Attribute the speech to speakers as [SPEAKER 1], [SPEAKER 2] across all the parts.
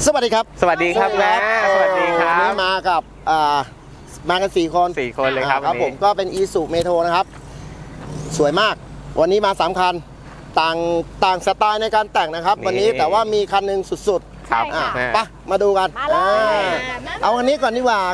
[SPEAKER 1] สวัสดีครับ
[SPEAKER 2] สวัสดีครับแม่สวัสดีครับ
[SPEAKER 1] วันนี้มากับมากัน4 คน
[SPEAKER 2] เลยครับ
[SPEAKER 1] ครับผมก็เป็นอีซูเมโทรนะครับสวยมากวันนี้มา3 คันต่างสไตล์ในการแต่งนะครับวันนี้แต่ว่ามีคันหนึ่งสุดๆ
[SPEAKER 2] ครับ
[SPEAKER 1] ไปมาดูกันเอาคันนี้ก่อนดีกว่า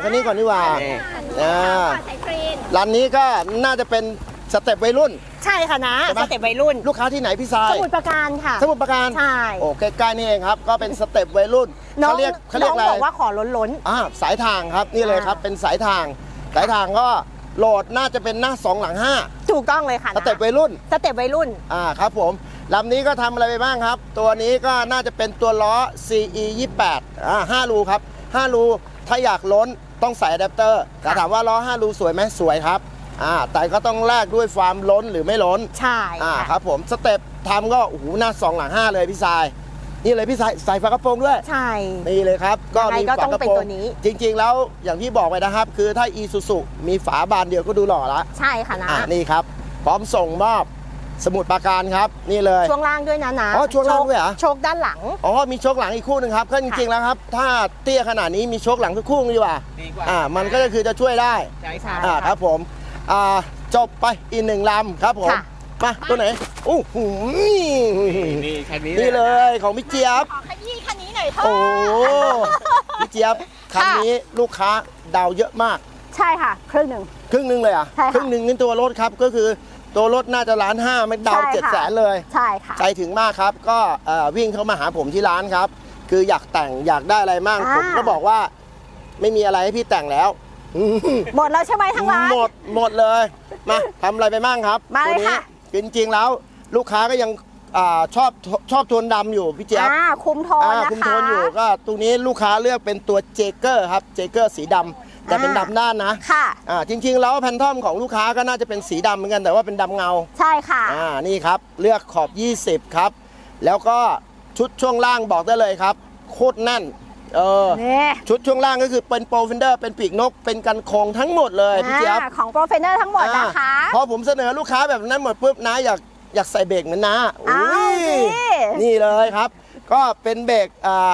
[SPEAKER 1] ร้านนี้ก็น่าจะเป็นสเต็ปวัยรุ่น
[SPEAKER 3] ใช่ค่ะนะสเต็ปวัยรุ่น
[SPEAKER 1] ลูกค้าที่ไหนพี่ทราย
[SPEAKER 3] สมุทรปราการค่ะ
[SPEAKER 1] สมุทรปราการ
[SPEAKER 3] ใช่
[SPEAKER 1] โอ้ใกล้ๆนี่เองครับก็เป็นสเต็ปวัยรุ่นเขาเรียกอะไร
[SPEAKER 3] บอกว่าขอล้น
[SPEAKER 1] สายทางครับนี่เลยครับเป็นสายทางก็โหลดน่าจะเป็นหน้า2หลัง5
[SPEAKER 3] ถูกต้องเลยค่ะ
[SPEAKER 1] สเต็ปวัยรุ่น
[SPEAKER 3] ครับ
[SPEAKER 1] ผมลำนี้ก็ทำอะไรไปบ้างครับตัวนี้ก็น่าจะเป็นตัวล้อ CE 28 5 รูครับ5 รูถ้าอยากล้นต้องใส่อะแดปเตอร์แต่ถามว่าล้อ5 รูสวยไหมสวยครับแต่ก็ต้องแลกด้วยความล้นหรือไม่ล้น
[SPEAKER 3] ใช่
[SPEAKER 1] ครับผมสเต็ปทำก็โอ้โหหน้า2หลัง5เลยพี่ทรายนี่เลยพี่ทรายใส่ฝากระโปรงด้วย
[SPEAKER 3] ใช่
[SPEAKER 1] นี่เลยครับ
[SPEAKER 3] ก็มีฝากระโปรง
[SPEAKER 1] จริงๆแล้วอย่างที่บอกไปนะครับคือถ้า Isuzu มีฝาบานเดียวก็ดูหล่อละ
[SPEAKER 3] ใช่ค่ะนะ
[SPEAKER 1] นี่ครับพร้อมส่งมอบสมุทรปราการครับนี่เลย
[SPEAKER 3] ช่วงล่างด้วยนะ
[SPEAKER 1] ช่วงล่างด้วยเหรอ
[SPEAKER 3] โชคด้านหลัง
[SPEAKER 1] มีโชคหลังอีกคู่หนึ่งครับก็จริงๆแล้วครับถ้าเตี้ยขนาดนี้มีโชคหลังทุกคู่ดีกว่ามันก็คือจะช่วยได้
[SPEAKER 3] ใช่
[SPEAKER 1] ครับผมจบไปอีก1 ลำครับผมมาตัวไหนโอ้โห
[SPEAKER 2] นี่คันนี้
[SPEAKER 1] นี่เลยของพี่เจี๊ยบ
[SPEAKER 3] ขอขยี้คันนี้หน่อยเถอะ
[SPEAKER 1] โอ้พี่เจี๊ยบคันนี้ลูกค้าดาวเยอะมาก
[SPEAKER 3] ใช่ค่ะครึ่งหนึ่ง
[SPEAKER 1] เลยครึ่งหนึ่งนี่ตัวรถครับก็คือตัวรถน่าจะ1,500,000ไม่ดาว700,000เลย
[SPEAKER 3] ใช่ค่ะ
[SPEAKER 1] ใจถึงมากครับก็วิ่งเข้ามาหาผมที่ร้านครับคืออยากแต่งอยากได้อะไรมั่งผมก็บอกว่าไม่มีอะไรให้พี่แต่งแล้ว
[SPEAKER 3] หมดแล้วใช่ไหมทั้งร้าน
[SPEAKER 1] หมดเลยมาทำอะไรไปมั่งครับ
[SPEAKER 3] ตัวนี้
[SPEAKER 1] จริงๆแล้วลูกค้าก็ยังชอบโทนดำอยู่พี่เจี๊ยบ
[SPEAKER 3] คุมโทนนะคะ
[SPEAKER 1] คุมโทนอยู่ก็ตรงนี้ลูกค้าเลือกเป็นตัวเจเกอร์ครับเจเกอร์สีดำแต่เป็นดำด้านนะ
[SPEAKER 3] ค่ะ
[SPEAKER 1] จริงๆแล้วแพนทอมของลูกค้าก็น่าจะเป็นสีดำเหมือนกันแต่ว่าเป็นดำเงา
[SPEAKER 3] ใช่ค่ะ
[SPEAKER 1] นี่ครับเลือกขอบ20ครับแล้วก็ชุดช่วงล่างบอกได้เลยครับโคตรแน่นชุดช่วงล่างก็คือเป็นโปรเฟนเดอร์เป็นปีกนกเป็นกันโครงทั้งหมดเลยพี่เจี๊ยบ
[SPEAKER 3] ของโปรเฟนเดอร์ทั้งหมดนะคะ
[SPEAKER 1] พอผมเสนอลูกค้าแบบนั้นหมดปุ๊บนะอยากใส่เบรกเหมือนนะนี่เลยครับก็เป็นเบรก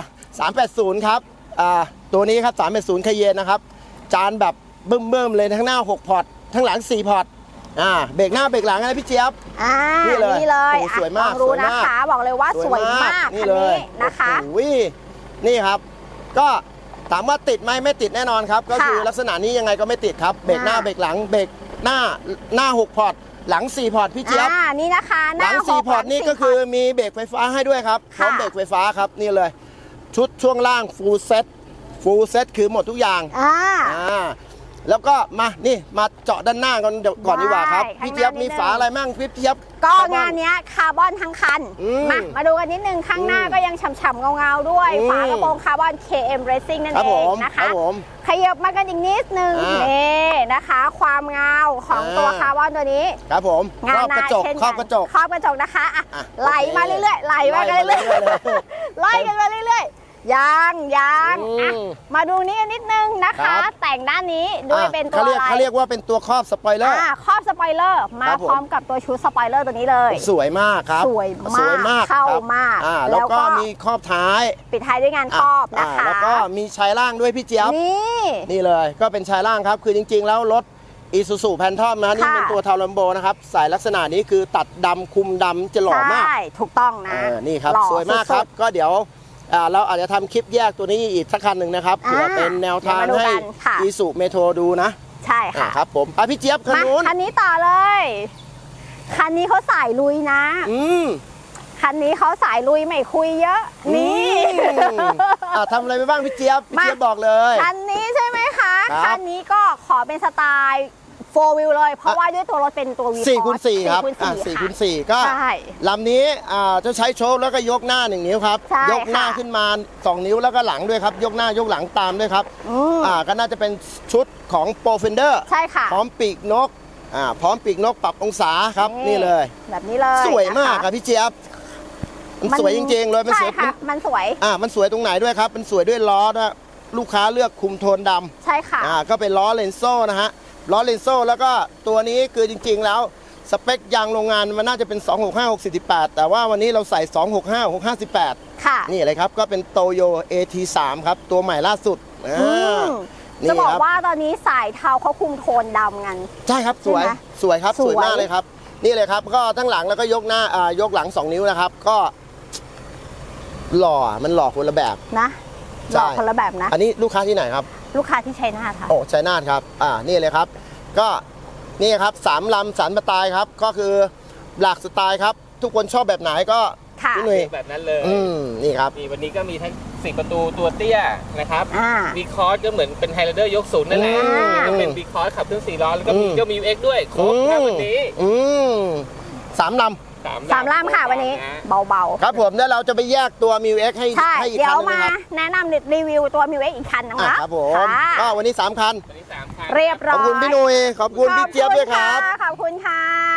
[SPEAKER 1] 380ครับตัวนี้ครับ380คเยนนะครับจานแบบเบิ่มเลยทั้งหน้า6 พอร์ตทั้งหลัง4 พอร์ตเบรกหน้าเบรกหลังนะพี่เจี๊ยบ
[SPEAKER 3] นี่เลย
[SPEAKER 1] สวยมาก
[SPEAKER 3] รู้นะคะบอกเลยว่าสวยมากคันนี้นะคะ
[SPEAKER 1] นี่ครับก็ถามว่าติดไหมไม่ติดแน่นอนครับก็คือลักษณะนี้ยังไงก็ไม่ติดครับเบรกหน้าเบรกหลังเบรกหน้า6 พอร์ตหลัง4 พอร์ตพี่เจี๊ยบ
[SPEAKER 3] นี่นะคะ
[SPEAKER 1] หลัง4 พอร์ตนี่ก็คือมีเบรกไฟฟ้าให้ด้วยครับพร้อมเบรกไฟฟ้าครับนี่เลยชุดช่วงล่างฟูลเซ็ตคือหมดทุกอย่างแล้วก็มาเจาะด้านหน้าก่อนดีกว่าครับพี่เจี๊ยบมีฝาอะไรมั่งพี่เจี๊ยบ
[SPEAKER 3] ก็งานนี้คาร์บอนทั้งคันมาดูกันนิดนึงข้างหน้าก็ยังฉ่ำๆเงาๆด้วยฝากระโปรงคาร์บอน KM Racing นั่นเองนะคะขยับมากันอีกนิดนึงนี่นะคะความเงาของตัวคาร์บอนตัวนี้
[SPEAKER 1] ครับผม
[SPEAKER 3] งานหน้าเช่นกันครอบกระจกนะคะไหลมาเรื่อยๆไล่กันมาเรื่อยยังมาดูนี้นิดนึงนะคะแต่งด้านนี้ด้วยเป็นตัวอะไร
[SPEAKER 1] เขาเรียกว่าเป็นตัวครอบสปอยเลอร์
[SPEAKER 3] ครอบสปอยเลอร์มาพร้อมกับตัวชุดสปอยเลอร์ตัวนี้เลย
[SPEAKER 1] สวยมากครับ
[SPEAKER 3] สวยมากเข้ามาก
[SPEAKER 1] แล้วก็มีครอบท้าย
[SPEAKER 3] ปิดท้ายด้วยงานครอบนะคะ
[SPEAKER 1] แล้วก็มีชายล่างด้วยพี่เจี๊ยบนี่เลยก็เป็นชายล่างครับคือจริงๆแล้วรถIsuzu Phantom นะนี่เป็นตัวทาวลัมโบนะครับใส่ลักษณะนี้คือตัดดำคุมดำจะหล่อมาก
[SPEAKER 3] ใช่ถูกต้องนะ
[SPEAKER 1] นี่ครับสวยมากครับก็เดี๋ยวเราอาจจะทำคลิปแยกตัวนี้อีกสักคันหนึ่งนะครับเพื่อเป็นแนวทางให้Isuzu Metroดูนะ
[SPEAKER 3] ใช่ค่ะ
[SPEAKER 1] ครับผมพี่เจี๊ยบคัน
[SPEAKER 3] นี้ต่อเลยคันนี้เขาสายลุยนะคันนี้เขาสายลุยไม่คุยเยอะนี่
[SPEAKER 1] ทำอะไรไปบ้างพี่เจี๊ยบบอกเลย
[SPEAKER 3] คันนี้ใช่ไหมคะคันนี้ก็ขอเป็นสไตล์4 วิวเลยเพราะว่าด้วยตัวรถเป็นตัว
[SPEAKER 1] 4x4 ครับ4x4 ก็ลำนี้จะใช้โชคแล้วก็ยกหน้า1 นิ้วครับยกหน้าขึ้นมา2 นิ้วแล้วก็หลังด้วยครับยกหน้ายกหลังตามด้วยครับก็น่าจะเป็นชุดของโปรเฟนเดอร์
[SPEAKER 3] ใช่ค่ะ
[SPEAKER 1] พร้อมปีกนกพร้อมปีกนกปรับองศาครับนี่เลย
[SPEAKER 3] แบบนี้เลย
[SPEAKER 1] สวยมากครับพี่เจี๊ยบมันสวยจริงๆเลย
[SPEAKER 3] มันสวยมันสวย
[SPEAKER 1] มันสวยตรงไหนด้วยครับมันสวยด้วยล้อนะลูกค้าเลือกคุมโทนดำ
[SPEAKER 3] ใช่ค่ะ
[SPEAKER 1] ก็เป็นล้อเลนโซ่นะฮะล้อเลนโซ่แล้วก็ตัวนี้คือจริงๆแล้วสเปคยางโรงงานมันน่าจะเป็น 265 648 แต่ว่าวันนี้เราใส่ 265 658
[SPEAKER 3] ค่ะ
[SPEAKER 1] นี่เลยครับ ก็เป็นโตโย AT3 ครับ ตัวใหม่ล่าสุด
[SPEAKER 3] อืม
[SPEAKER 1] นี่
[SPEAKER 3] จะบอก
[SPEAKER 1] ครับ
[SPEAKER 3] ว่าตอนนี้สายเทาเขาคุมโทนดำกัน
[SPEAKER 1] ใช่ครับสวย
[SPEAKER 3] ใช่ไหม
[SPEAKER 1] สวยครับ
[SPEAKER 3] สวย
[SPEAKER 1] สวยมากเลยครับ นี่เลยครับ ก็ทั้งหลังแล้วก็ยกหน้ายกหลัง 2 นิ้วนะครับ ก็หล่อมันหล่อคนละแบบ
[SPEAKER 3] นะห
[SPEAKER 1] ใช่
[SPEAKER 3] ลอกคนละแบบนะ
[SPEAKER 1] อันนี้ลูกค้าที่ไหนครับ
[SPEAKER 3] ลูกค้าที่ชัยนาทค่ะ
[SPEAKER 1] โอ้ชัยนาทครับ นี่เลยครับ ก็นี่ครับ3ลำสันสไตล์ครับ ก็คือหลากสไตล์ครับ ทุกคนชอบแบบไหนก็
[SPEAKER 3] ค่ะ
[SPEAKER 1] พี่หนุ่ย
[SPEAKER 2] แบบนั้นเลย
[SPEAKER 1] นี่ครับ
[SPEAKER 2] นี่วันนี้ก็มีทั้ง4ประตูตัวเตี้ยนะครับ
[SPEAKER 3] อ่า
[SPEAKER 2] วีคอร์สก็เหมือนเป็นไฮไลเดอร์ยกศูนย์นั่นแหละ
[SPEAKER 1] อืม
[SPEAKER 2] ก็เป็นวีคอร์สขับเครื่อง4ล้อแล้วก็มี
[SPEAKER 1] อืม
[SPEAKER 2] เจ้ามิวเอ็กด้วยครบครับวันนี้
[SPEAKER 1] สามล
[SPEAKER 3] สามล่ามค่ะวันนี้ เบา
[SPEAKER 1] ำครับผมแล้วเราจะไปแยกตัวมิวเอ็กให้
[SPEAKER 3] ๆ ใช่
[SPEAKER 1] ให้อีก
[SPEAKER 3] เดี๋ย
[SPEAKER 1] คั
[SPEAKER 3] วน
[SPEAKER 1] หนึง
[SPEAKER 3] มา
[SPEAKER 1] นะครับ
[SPEAKER 3] แนะนำรีวิวตัวมิวเอ็กอีกคันนึงนะครับ
[SPEAKER 1] ผม
[SPEAKER 3] ค่ะ
[SPEAKER 1] ก็วันนี้3คัน
[SPEAKER 2] วันนี้3คัน
[SPEAKER 3] เรียบ
[SPEAKER 1] ข
[SPEAKER 3] ร้
[SPEAKER 1] อ
[SPEAKER 3] อบ ย
[SPEAKER 1] คุณพี่หนุ่ยขอบคุณพี่เจี๊ยบด้วยครับ
[SPEAKER 3] ขอบคุณค่ะ